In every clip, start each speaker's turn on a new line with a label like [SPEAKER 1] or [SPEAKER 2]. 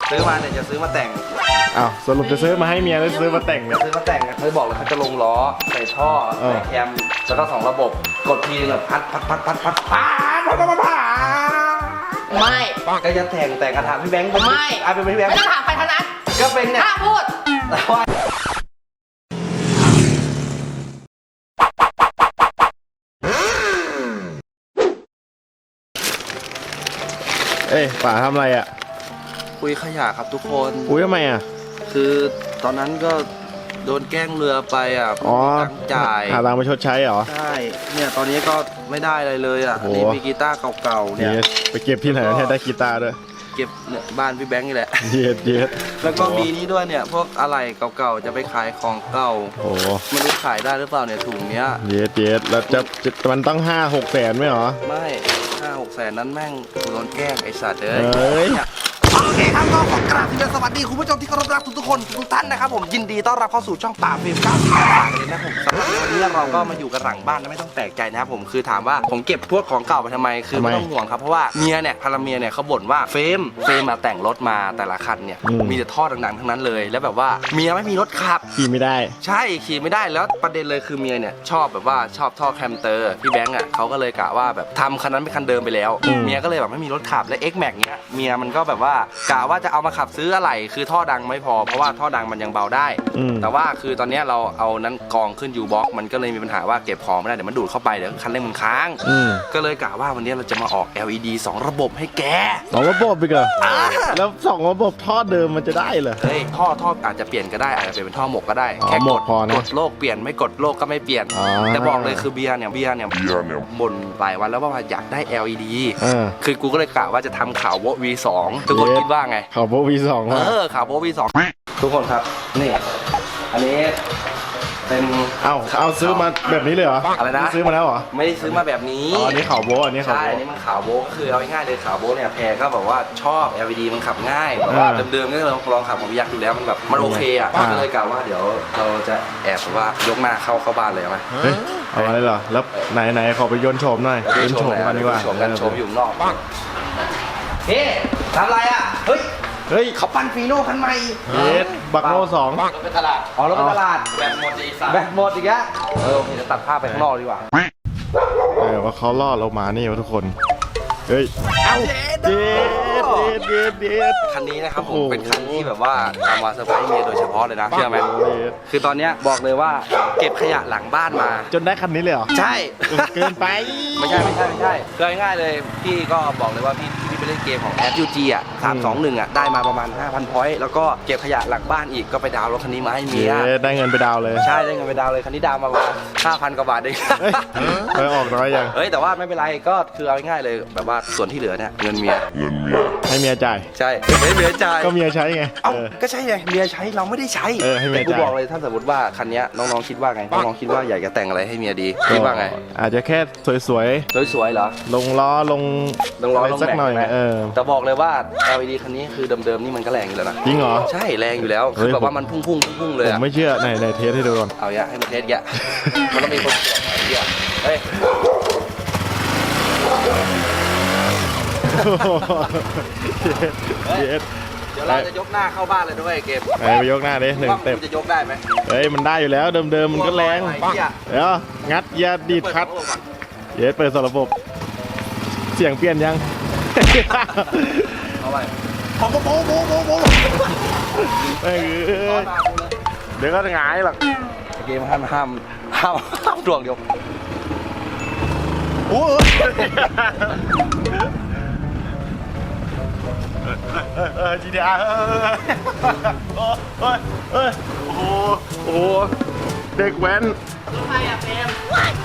[SPEAKER 1] ซื้อมาเนี่ยจะซื้อมาแต่ง
[SPEAKER 2] อ้าวสรุปจะซื้อมาให้เมียหรือซื้อมาแต่งเนี่ย
[SPEAKER 1] ซื้อมาแต่งเขาบอกเลยเขาจะลงล้อใส่ท่อใส่แคมแล้วก็2 ระบบกดทีแบบพัด
[SPEAKER 3] ไม่
[SPEAKER 1] ก็จะแต่งกระถางพี่แบงค์
[SPEAKER 3] ไม่
[SPEAKER 1] เป็นพี่แบงค์
[SPEAKER 3] ไม่ต้องถามใครทั้งนั้น
[SPEAKER 1] ก็เป็นเนี่ย
[SPEAKER 3] ห้ามพูด
[SPEAKER 1] แต่ว่า
[SPEAKER 2] เอ้ยป๋าทำอะไรอ่ะ
[SPEAKER 1] คุยขยะครับทุกคน
[SPEAKER 2] อุ้ยทำไมอ่ะ
[SPEAKER 1] คือตอนนั้นก็โดนแกล้งเรือไปอ่ะ
[SPEAKER 2] อ๋อ
[SPEAKER 1] ตั้งจ่าย
[SPEAKER 2] หาตังค์มาชดใช้เหรอ
[SPEAKER 1] ใช่เนี่ยตอนนี้ก็ไม่ได้อะไรเลยอ่ะ
[SPEAKER 2] โอ้โห
[SPEAKER 1] นี่มีกีตาร์เก่าๆเนี่ย
[SPEAKER 2] ไปเก็บที่ไหนเนี่ยได้กีตาร์ด้วย
[SPEAKER 1] เก็บเนี่ยบ้านพี่แบงค์นี่แหละ
[SPEAKER 2] เย็ด
[SPEAKER 1] แล้วก็มีนี่ด้วยเนี่ยพวกอะไรเก่าๆจะไปขายของเก่า
[SPEAKER 2] โอ้โห
[SPEAKER 1] ไม่รู้ขายได้หรือเปล่าเนี่ยถุงเนี้ย
[SPEAKER 2] เย็ดแล้วจะมันต้อง5-6 แสนไหมเหรอ
[SPEAKER 1] ไม่5-6 แสนนั้นแม่งโดนแกล้งไอ้สัตว์เอ้ย
[SPEAKER 2] เอ้ย
[SPEAKER 1] โอเคครับก็ขอกราบสวัสดีคุณผู้ชมที่เคารพรักทุกคนทุกท่านนะครับผมยินดีต้อนรับเข้าสู่ช่องป่าเฟรม98เลยนะผมสำหรับวันนี้เราก็มาอยู่กันหลังบ้านนะไม่ต้องแปลกใจนะครับผมคือถามว่าผมเก็บพวกของเก่าไปทำไมคือไม่ต้องห่วงครับเพราะว่าเมียเนี่ยภรรเมียเนี่ยเขาบ่นว่าเฟรมมาแต่งรถมาแต่ละคันเนี่ยมีแต่ท่อดังๆทั้งนั้นเลยแล้วแบบว่าเมียไม่มีรถขับ
[SPEAKER 2] ขี่ไม่ได้
[SPEAKER 1] ใช่ขี่ไม่ได้แล้วประเด็นเลยคือเมียเนี่ยชอบแบบว่าชอบท่อแคมเตอร์พี่แบงค์อ่ะเขาก็เลยกะว่าแบบทำคันนั้นเป็นคันเดิมไปแล้วเมียก็เลยแบบไม่มีรถขับและ X Max เนี้ยเมียมันก็แบบว่ากะว่าจะเอามาขับซื้ออะไรคือท่อดังไม่พอเพราะว่าท่อดังมันยังเบาได้ แต่ว่าคือตอนนี้เราเอานั้นกองขึ้นยูบ็อกมันก็เลยมีปัญหาว่าเก็บของไม่ได้เดี๋ยวมันดูดเข้าไปเดี๋ยวคันเร่งมันค้างก็เลยกะว่าวันนี้เราจะมาออก LED 2 ระบบให้แก
[SPEAKER 2] 2 ระบบอีกเหรอแล้ว2 ระบบท่อเดิมมันจะได้เหรอ
[SPEAKER 1] เฮ้ยท่ออาจจะเปลี่ยนก็ได้อาจจะเปลี่ยนเป็นท่อหมกก็ได้
[SPEAKER 2] อ๋อ
[SPEAKER 1] แค่
[SPEAKER 2] หม
[SPEAKER 1] ก
[SPEAKER 2] ก
[SPEAKER 1] ด
[SPEAKER 2] พอนะ
[SPEAKER 1] กดโลกเปลี่ยนไม่กดโลกก็ไม่เปลี่ยน
[SPEAKER 2] อ๋อ
[SPEAKER 1] แต่บอกเลยคือเบียร์เนี่ยบ่นหลายวันแล้วว่าอยากได้ LED คือกูก็เลยกะว่าจะทำข่าวโว V2 ทุกคนคิดว่าไง
[SPEAKER 2] ข่าวโบV2 ว่ะ
[SPEAKER 1] ข่าวโว V2 ทุกคนครับนี่อันนี้เป็น
[SPEAKER 2] เอาซื้อมาแบบนี้เลยเหรอ
[SPEAKER 1] อะไรนะ
[SPEAKER 2] ซื้อมาแล้วเหรอ
[SPEAKER 1] ไม่ได้ซื้อมาแบบนี้
[SPEAKER 2] อ๋ออันนี้ข่าวโบอันนี้ข่าว
[SPEAKER 1] ใช่
[SPEAKER 2] โบ
[SPEAKER 1] อันนี้มันขาวโบก็คือเอาง่ายๆเลยขาวโบเนี่ยแพรก็แบบว่าชอบ LED มันขับง่ายแบบว่าเดิมๆก็ลองขับของพี่ยักษ์ดูแล้วมันแบบมันโอเคอ่ะก็เลยกะว่าเดี๋ยวเราจะแอบแบบว่ายกหน้าเข้าบ้านเลยไหม
[SPEAKER 2] เฮ้ยเอาอะไรเหรอแล้วไหนขอไปยนต์โฉมหน่อยยนต์โฉมกันดีกว่า
[SPEAKER 1] โฉมกันโฉมอยู่นอกเฮ้ทำไรอ่ะเฮ้ยเขาปั้นฟีโน่คันใหม่
[SPEAKER 2] บักโน่2
[SPEAKER 1] รถไปตลาดอ๋อรถไปตลาดแบตหมดอีกแบตหมดอีกแล้วโอเคจะตัดภาพไปข้างนอกดีกว่า
[SPEAKER 2] ว่าเขาล่อเรามานี่วะทุกคนเฮ้ยเด็ด
[SPEAKER 1] คันนี้นะครับผมเป็นคันที่แบบว่าเอามาเซอร์ไพรส์เมียโดยเฉพาะเลยนะเชื่อไหมคือตอนเนี้ยบอกเลยว่าเก็บขยะหลังบ้านมา
[SPEAKER 2] จนได้คันนี้เลยเหรอ
[SPEAKER 1] ใช่
[SPEAKER 2] เกินไป
[SPEAKER 1] ไม่ใช่คือง่ายๆเลยพี่ก็บอกเลยว่าพี่ไปเล่นเกมของ FUG อ่ะ321อ่ะได้มาประมาณ 5,000 พอยต์แล้วก็เก็บขยะหลังบ้านอีกก็ไปดาวน์รถคันนี้มาให้เมีย
[SPEAKER 2] ได้เงินไปดาวเลย
[SPEAKER 1] ใช่ได้เงินไปดาวน์เลยคันนี้ดาวน์มาประมาณ 5,000 กว่าบาทเอง
[SPEAKER 2] ไปออกน้อยยัง
[SPEAKER 1] เฮ้ยแต่ว่าไม่เป็นไรก็คือเอาง่ายๆเลยแบบว่าส่วนที่เหลือเนี่ยเงินเมีย
[SPEAKER 2] ให้เมียจ่าย
[SPEAKER 1] ใช่ให้เมียจ่าย
[SPEAKER 2] ก็เมียใช้ไง
[SPEAKER 1] เอ้าก็ใช่ไงเมียใช้เราไม่ได้ใช้
[SPEAKER 2] ให้เมีย
[SPEAKER 1] แต่กู
[SPEAKER 2] จ่าย
[SPEAKER 1] บอกเลยถ้าสมมติว่าคันนี้น้องๆคิดว่าไงน้องๆคิดว่าอยากจะแต่งอะไรให้เมียดีคิดว่าไง
[SPEAKER 2] อาจจะแค่สวย
[SPEAKER 1] สวยๆเหรอ
[SPEAKER 2] ๆลงล้อลง
[SPEAKER 1] ต้องรอ
[SPEAKER 2] อะไรสักหน่อย
[SPEAKER 1] แม็กซ์ แต่บอกเลยว่า LED คันนี้คือเดิมๆนี่มันก็แรงอยู่แล้วนะ
[SPEAKER 2] จริงเหรอ
[SPEAKER 1] ใช่แรงอยู่แล้วคือแบบว่ามันพุ่งๆเลย
[SPEAKER 2] ผม
[SPEAKER 1] อะ
[SPEAKER 2] ไม่เชื่อไหนเทสให้ดูก่อน
[SPEAKER 1] เอาอย่าให้มันเทสแกะมันต้องมีคนตรวจไอ้เหี้ยเฮ้ย
[SPEAKER 2] เย็ด
[SPEAKER 1] เดี๋ยวเราจะยกหน้าเข้าบ้านเลยด้วยเกม
[SPEAKER 2] ไปยกหน้าดิ1
[SPEAKER 1] ว่า
[SPEAKER 2] เต็ป
[SPEAKER 1] มันจะยกได้ไหม
[SPEAKER 2] เฮ้ยมันได้อยู่แล้วเดิมมันก็แรง
[SPEAKER 1] ไอ้เหี้ย
[SPEAKER 2] เดี๋ยวงัดยาดีดคัดเย็ดเปิดสระบบ เสียงเปลี่ยนยัง
[SPEAKER 1] เอาไปโบ
[SPEAKER 2] เอ้ยเดี๋ยวก็หงายหรอก
[SPEAKER 1] เกมห้ามดวงเดียว
[SPEAKER 2] โอ้GTR โอ้โหเด็กแว้น
[SPEAKER 3] ใครอะเฟรม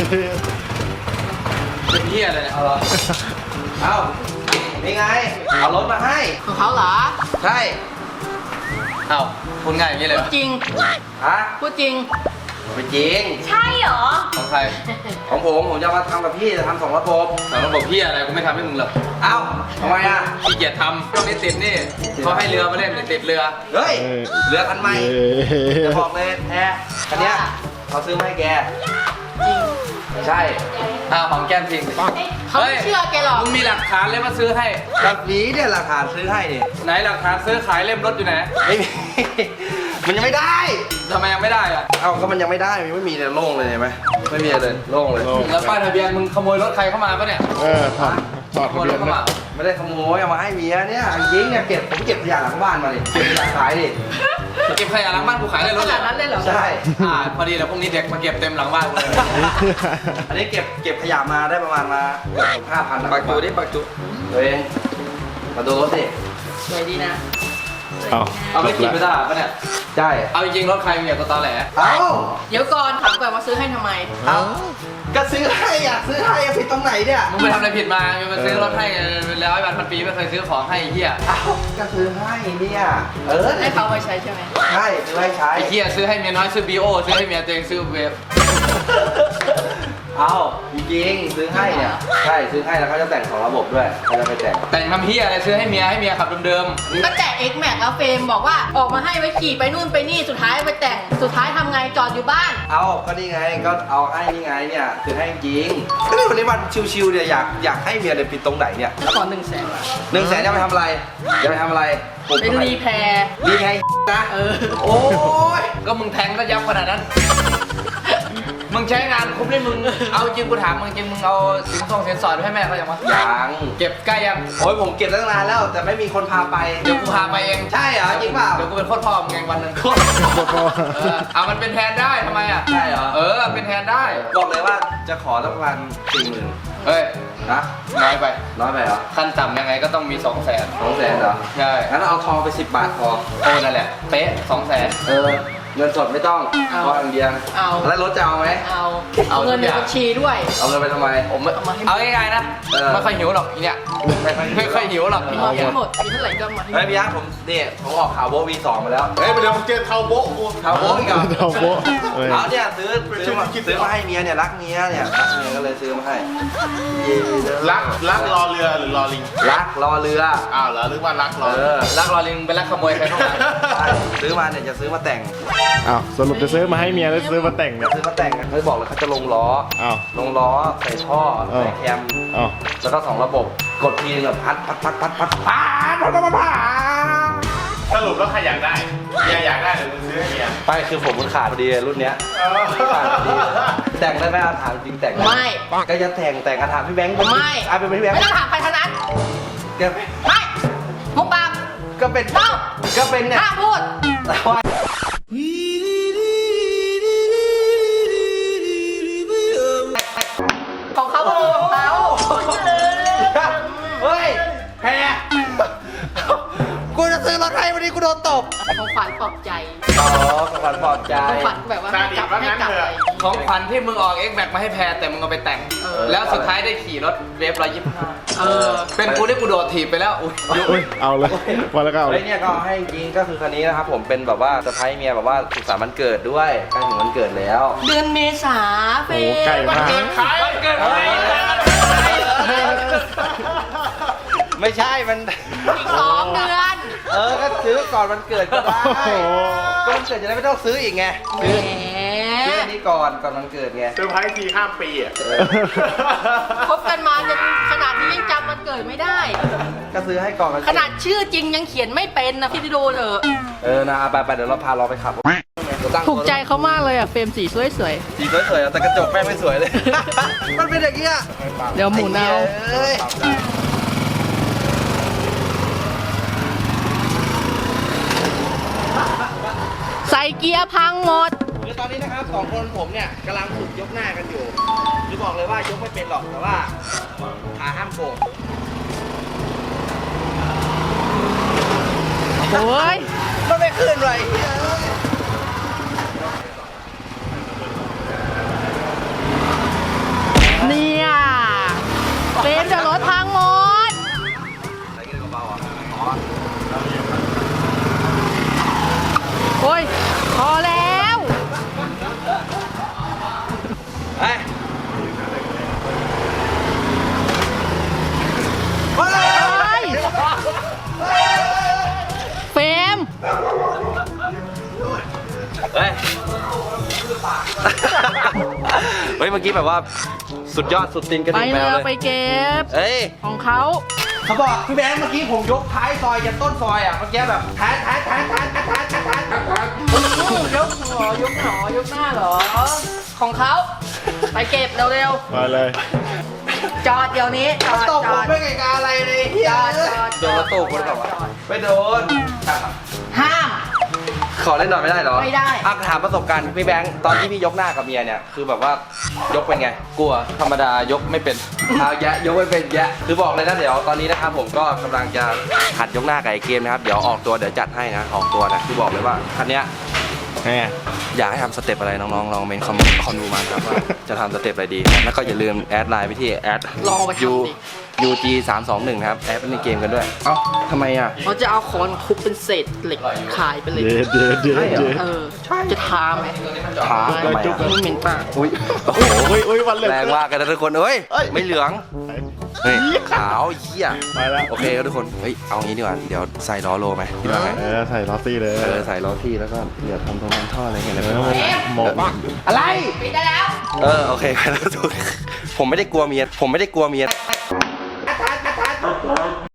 [SPEAKER 1] เป็นเหี้ยอะไรเนี่ยเอาเหรอเอานี่ไงเอารถมาให้
[SPEAKER 3] ของเขาเหรอ
[SPEAKER 1] ใช่เอาพูดง่ายอย่างนี้เลย
[SPEAKER 3] จริง
[SPEAKER 1] ฮะ
[SPEAKER 3] พูดจริง
[SPEAKER 1] ไม่จริง
[SPEAKER 3] ใช่เหรอ
[SPEAKER 1] ของใครของผมจะมาทำกับพี่จะทำ2 ระบบ
[SPEAKER 4] แต่ระบบพี่อะไรกูไม่ทำให้มึงหรอก
[SPEAKER 1] เอ้าทำไมอ่ะ
[SPEAKER 4] ขี้เกียจทำช่วงนี้ติดนี่เขาให้เรือมาเล่นติดเรือ
[SPEAKER 1] เฮ้ยเรือคันใหม่จะบอกเลยแอร์คันเนี้ยเขาซื้อมาให้แก
[SPEAKER 3] จริง
[SPEAKER 1] ใช่
[SPEAKER 4] ของแก้มจริง
[SPEAKER 3] เขาไม่เชื่อแกหรอก
[SPEAKER 4] มึงมีหลักฐานเลยมาซื้อให้
[SPEAKER 1] แบบนี้เนี่ยราคาซื้อให้นี่
[SPEAKER 4] ไหนหลักฐานซื้อขายเล่มรถอยู่ไหน
[SPEAKER 1] ไม่มี มันยังไม่ได้
[SPEAKER 4] ทำไมยังไม่ได้อะ
[SPEAKER 1] เอ้าก็มันยังไม่ได้มันไม่มีเลยโล่งเลยเห็นไหมไม่มีเลยโล่งเลย
[SPEAKER 2] โล่ง
[SPEAKER 4] แล้วป้ายทะเบียนมึงขโมยรถใครเข้ามาปะเนี่ย
[SPEAKER 2] ถอด
[SPEAKER 4] ข
[SPEAKER 2] ทะ
[SPEAKER 4] โมย
[SPEAKER 2] เบี
[SPEAKER 4] ร
[SPEAKER 2] ย
[SPEAKER 4] ถ
[SPEAKER 2] น
[SPEAKER 4] เข้า
[SPEAKER 2] นะ
[SPEAKER 4] มา
[SPEAKER 1] ไม่ได้ขโมยเอามาให้เมียเนี่ยจริงเนี่ยผมเก็บขยะหลังบ้านมาดิเก็บขยะขายดิ
[SPEAKER 4] เก็บขยะหลังบ้านกูขายได้ร
[SPEAKER 3] ข
[SPEAKER 4] ถเล
[SPEAKER 3] นาย ดนั้นเลยเหรอ
[SPEAKER 1] ใช่
[SPEAKER 4] พอดีแล้วพรุ่งนี้เด็กมาเก็บเต็มหลังบ้านกูเลย
[SPEAKER 1] อันนี้เก็บขยะมาได้ประมาณมาเกือบ5,000นะ
[SPEAKER 4] ปักจูดิปักจู
[SPEAKER 1] ตัวเองมาดูรถสิ
[SPEAKER 3] สวยดีนะ
[SPEAKER 4] เอาไปขี่ไปตลาดปะเนี่ย
[SPEAKER 1] ใช่
[SPEAKER 4] เอาจริงๆรถใครมีแต่ตัวตอแหล
[SPEAKER 1] เอ้า
[SPEAKER 3] เดี๋ยวก่อนถามก่อนว่าซื้อให้ทำไม
[SPEAKER 1] เอ้าก็ซื้อให้อ่ะซื้อให้ผิดตรงไหนเนี่ย
[SPEAKER 4] มึงไปทำอะไรผิดมามึงมาซื้อรถให้เป็นร้อยวันพันปีไม่เคยซื้อของให้ไอ้เหี้ย
[SPEAKER 1] เอ้าก็ซื้อให้เนี่ย
[SPEAKER 3] ให้เขาไปใช้ใช่ไหม
[SPEAKER 1] ใช่ซื้อให้ใช้
[SPEAKER 4] ไอ้เหี้ยซื้อให้เมียน้อยซื้อบีโอซื้อให้เมียตัวเองซื้อเวฟ
[SPEAKER 1] เอาจริงๆซื้อให้เนี่ยใช่ซื้อให้แล้วเขาจะแต่งของระบบด้วยเขาจะไปแต่ง
[SPEAKER 4] แต่งทำเหี้ยอะไรซื้อให้เมียขับเดิม
[SPEAKER 3] ก็แต่ X Max แล้วเฟรมบอกว่าออกมาให้ไว้ขี่ไปนู่นไปนี่สุดท้ายไปแต่งสุดท้ายทำไงจอดอยู่บ้าน
[SPEAKER 1] เอาก็นี่ไงก็เอาให้นี่ไงเนี่ยซื้อให้จริงก็ในวันนี้วันชิวๆเนี่ยอยากให้เมียเนี่ยปิดตรงไหนเนี่ย
[SPEAKER 3] ขอ100,000
[SPEAKER 1] 100,000จะไปทำอะไรจะไปทำอะไรปลูก
[SPEAKER 3] เป็นรีแพร์
[SPEAKER 1] รีแพร์นะ
[SPEAKER 3] เออ
[SPEAKER 1] โอ้ย
[SPEAKER 4] ๆก็มึงแทงแล้วยับขนาดนั้น มึงใช้งานคุ้มเลยมึงเอาจริงกูถามมึงจริงมึงเอาสินสอดไปให้แม่เขาอย่างวะ
[SPEAKER 1] ยัง
[SPEAKER 4] เก็บใกล้ยัง
[SPEAKER 1] โอ้ยผมเก็บตั้งนานแล้ว แต่ไม่มีคนพาไป
[SPEAKER 4] เดี๋ยวกูพาไปเอง
[SPEAKER 1] ใช่เหรอจริงเปล่า
[SPEAKER 4] เดี๋ยวกูเป็นโคตรพ่อมึงเองวันหนึ่งเอามันเป็นแทนได้ทำไมอ่ะ
[SPEAKER 1] ใช่เหรอ
[SPEAKER 4] เป็นแทนได้
[SPEAKER 1] บอกเลยว่าจะขอสักประมาณ40,000
[SPEAKER 4] เฮ้ย
[SPEAKER 1] นะ
[SPEAKER 4] น้อยไป
[SPEAKER 1] น้อยไปเหรอ
[SPEAKER 4] ขั้นต่ำยังไงก็ต้องมี 200,000
[SPEAKER 1] 200,000เหรอ
[SPEAKER 4] ใช่
[SPEAKER 1] งั้นเอาทองไป10 บาทพอ
[SPEAKER 4] นั่นแหละเป๊ะ 200,000
[SPEAKER 1] เงินสดไม่ต้อง
[SPEAKER 3] เอา
[SPEAKER 1] พออย่างเดียว
[SPEAKER 3] เอา
[SPEAKER 1] แล้วรถจะเอาไหม
[SPEAKER 3] เอาเงินในบัญชีด้วย
[SPEAKER 1] เอาเงินไปทำไม
[SPEAKER 4] ผมเอาง่ายๆนะ ไม่ค่อยหิวหรอกอีเนี่ยไม่ค่อยหิวหรอก
[SPEAKER 3] เอาให้หมดมีเท่าไหร่ก็มาให้หม
[SPEAKER 1] เฮ้ย
[SPEAKER 3] ด
[SPEAKER 1] พี่ยักษ์ผมออกข่าวโบวี2มาแล้ว
[SPEAKER 2] เฮ้ยเดี๋ยวมึงเจอเทาโบ๊ะกู
[SPEAKER 1] ข่าวโบอีกเหรอ
[SPEAKER 2] เทาโบ๊ะเอ้ย
[SPEAKER 1] เอาเนี่ยซื้อมาให้เมียเนี่ยรักเมียเนี่ยรักเมียก็เลยซื้อมาให้
[SPEAKER 2] รักรอเรือหรือรอลิง
[SPEAKER 1] รักรอเรือ
[SPEAKER 2] อ้าวเหรอนึกว่ารักรอ
[SPEAKER 4] รักรอลิงเป็นรักขโมยใครเข้ามา
[SPEAKER 1] ใช่ซื้อมาเนี่ยจะซื้อมาแต่ง
[SPEAKER 2] อ้าวสรุปจะซื้อมาให้เมียแล้วซื้อมาแต่งเนี่ย
[SPEAKER 1] ซื้อมาแต่งเขาบอกเลยเขาจะลงล้อ
[SPEAKER 2] อ้าว
[SPEAKER 1] ลงล้อใส่ท่อใส่แคม
[SPEAKER 2] อ้าว
[SPEAKER 1] แล้วก็2 ระบบกดทีนึงแบบพัด
[SPEAKER 2] สรุปแล้วใครอยากได้เมียอยากได้หรือมึงซื้อให้เมีย
[SPEAKER 1] ไปคือผมมันขาดพอดีรุ่นเนี้ยขาดพอดีแต่งได้ไหมอาถามจริงแต่งด้ห
[SPEAKER 3] ไม่
[SPEAKER 1] ก็จะแต่งอาถามพี่แบงค์
[SPEAKER 3] ไม่
[SPEAKER 1] เป็นพี่แบงค์
[SPEAKER 3] ไม่ต้องถามใครทั้งนั้น
[SPEAKER 1] ก็
[SPEAKER 3] ไม่มุกปาก
[SPEAKER 1] ก็เป็น
[SPEAKER 3] เล่า
[SPEAKER 1] ก็เป็นเนี่ย
[SPEAKER 3] ห้ามพูด
[SPEAKER 1] ว่า
[SPEAKER 3] ของเขาก็คือของเขา
[SPEAKER 1] เฮ้ยแพ้กูจะซื้อรถให้วันนี้กูโดนตบ
[SPEAKER 3] ของขวัญปลอบใจ
[SPEAKER 1] อ๋อของขวัญปลอบใจ
[SPEAKER 3] ของขวัญแบบว่าให้กลับให้กลับอะไรอย่างงี้
[SPEAKER 4] ของขวัญที่มึงออก X Max มาให้แพรแต่มึงเอาไปแต่ง แล้วสุดท้ายได้ขี่รถเวฟ125เป็นกูได้กูโดดถีบไปแล้วอุ้ย
[SPEAKER 2] อุ้ยเอาเลยมาแล้วก็เอาเล
[SPEAKER 1] เฮ้
[SPEAKER 2] ย
[SPEAKER 1] ยเนี่ยก็ให้จริงก็คือคันนี้นะครับผมเป็นแบบว่าเซอร์ไพรส์เมียแบบว่าสุขสันต์วันเกิดด้วยใกล้ถึงวันเกิดแล้ว
[SPEAKER 3] เดือนเมษาเฟ
[SPEAKER 2] โอ้ใกล้มาก
[SPEAKER 4] ขายวันเกิดใคร
[SPEAKER 1] ไม่ใช่มัน
[SPEAKER 3] อีก2 เดือน
[SPEAKER 1] ก็ซื้อก่อนวันเกิดก็ได้
[SPEAKER 2] โอ้โห
[SPEAKER 1] ก็วันเกิดจะได้ไม่ต้องซื้ออีกไง
[SPEAKER 3] แหม
[SPEAKER 1] ซื้ออันนี้ก่อนวันเกิดไง
[SPEAKER 2] เซอร์ไพรส์ทีข้ามปีอ่ะ
[SPEAKER 3] คบกันมาจนขนาดนี้ยังจำวันเกิดไม่ได้
[SPEAKER 1] ก็ซื้อให้ก่อนวัน
[SPEAKER 3] ข
[SPEAKER 1] เกิด
[SPEAKER 3] นาดชื่อจริงยังเขียนไม่เป็นนะพี่ดูเถอะ
[SPEAKER 1] นะไปเดี๋ยวเราพาเราไปขับตั้ง
[SPEAKER 3] ถูกใจเขามากเลยอ่ะเฟรมสีสวย
[SPEAKER 1] สีสวยๆแต่กระจกแม่งไม่สวยเลย มันเป็นอย่างนี้อะ
[SPEAKER 3] ๆเดี๋ยวหมุนเอา
[SPEAKER 1] เอ้ย
[SPEAKER 3] ใส่เกียร์พังหมด
[SPEAKER 1] คือตอนนี้นะครับ2 คนผมเนี่ยกำลังฝึกยกหน้ากันอยู่คือบอกเลยว่ายกไม่เป็นหรอกแต่ว่าขาห้ามโกง
[SPEAKER 3] โอ้ย
[SPEAKER 1] มันไม่ขึ้นเลย
[SPEAKER 3] เนี่ยเฟรมจะรถพังหมด
[SPEAKER 1] อะไรกินเบาๆอ่ะอ๋อ
[SPEAKER 3] โอ้ย พอแล้ว
[SPEAKER 1] เฮ้ยเฮ้ย
[SPEAKER 3] เฟรม
[SPEAKER 1] เฮ้ยเฮ้ยเมื่อกี้แบบว่าสุดยอดสุดตีนกระ
[SPEAKER 3] ไป
[SPEAKER 1] ดิ่งแม
[SPEAKER 3] เล
[SPEAKER 1] วย เลย
[SPEAKER 3] ไปเก็บ
[SPEAKER 1] เอ้ย
[SPEAKER 3] ของเขา
[SPEAKER 1] เขาบอกพี่แบงค์เมื่อกี้ผมยกท้ายซอยยันต้นซอยอ่ะเมื่อกี้แบบท้าย
[SPEAKER 3] ยกหัวยกหนอยกหน้าเหรอ ของเขาไปเก็บเร็ว
[SPEAKER 2] มาเลย
[SPEAKER 3] ๆจอดเดี๋ยวนี้จอด
[SPEAKER 1] ตบ
[SPEAKER 3] จ
[SPEAKER 1] ผ
[SPEAKER 3] อ
[SPEAKER 1] ม
[SPEAKER 3] ด
[SPEAKER 1] ด้วยไงกาอะไรเลยเฮีย
[SPEAKER 3] จอด
[SPEAKER 1] โดนรถตู้คนก่อนวะไม่โดน
[SPEAKER 3] ห้าม
[SPEAKER 1] ขอเล่นหน่อยไม่ได้เหรอ
[SPEAKER 3] ไม่ได้
[SPEAKER 1] ถามประสบการณ์พี่แบงค์ตอนที่พี่ยกหน้ากับเมียเนี่ยคือแบบว่ายกเป็นไง กลัวธรรมดายกไม่เป็นเอาแยะยกไม่เป็นแยะคือบอกเลยนะเดี๋ยวตอนนี้นะครับผมก็กำลังจะหัดยกหน้ากับไอ้เกมนะครับเดี๋ยวออกตัวเดี๋ยวจัดให้นะออกตัวนะคือบอกเลยว่าคันเนี้ย
[SPEAKER 2] แม่
[SPEAKER 1] อยากให้ทำสเต็ปอะไรน้องๆลองเมนคอมดูมาครับว่าจะทำสเต็ปอะไรดีแล้วก็อย่าลืมแอดไลน์ไปที่แอด
[SPEAKER 3] ลองไปทำสิ
[SPEAKER 1] UG 321นะครับแอดเป็นในเกมกันด้วยเอ้าทำไมอ่ะ
[SPEAKER 3] เขาจะเอาค้อนทุบเป็นเศษเหล็กขายไปเลย
[SPEAKER 2] เย็ด
[SPEAKER 3] เออจะทาไหม
[SPEAKER 1] ถามทำไม
[SPEAKER 3] จุ๊บ
[SPEAKER 1] อ่ะ
[SPEAKER 3] ไม่เหม็นปาก
[SPEAKER 1] อุ้ยโอ้โห
[SPEAKER 2] อุ้ยวันเหลือง
[SPEAKER 1] แรงมากกันนะทุกคนเอ้ย
[SPEAKER 2] เอ้ย
[SPEAKER 1] ไม่เหลืองเฮ้ยขาวเหี้ย
[SPEAKER 2] ไปแล้ว
[SPEAKER 1] โอเคครับทุกคนเฮ้ยเอางี้ดีกว่าเดี๋ยวใส่ล้อโลไหมคิดว่าไง
[SPEAKER 2] ใส่ลอตตี้เลย
[SPEAKER 1] ใส่ล้อที่แล้วก็เดี๋ยวทำตรงนั้นท่ออะไรเงี้ย
[SPEAKER 2] เอ
[SPEAKER 1] แล้ว
[SPEAKER 2] อ
[SPEAKER 1] ก็
[SPEAKER 2] หมก
[SPEAKER 1] อะไร
[SPEAKER 3] ปิดได้แล้ว
[SPEAKER 1] โอเคไปแล้วทุกคนผมไม่ได้กลัวเมีย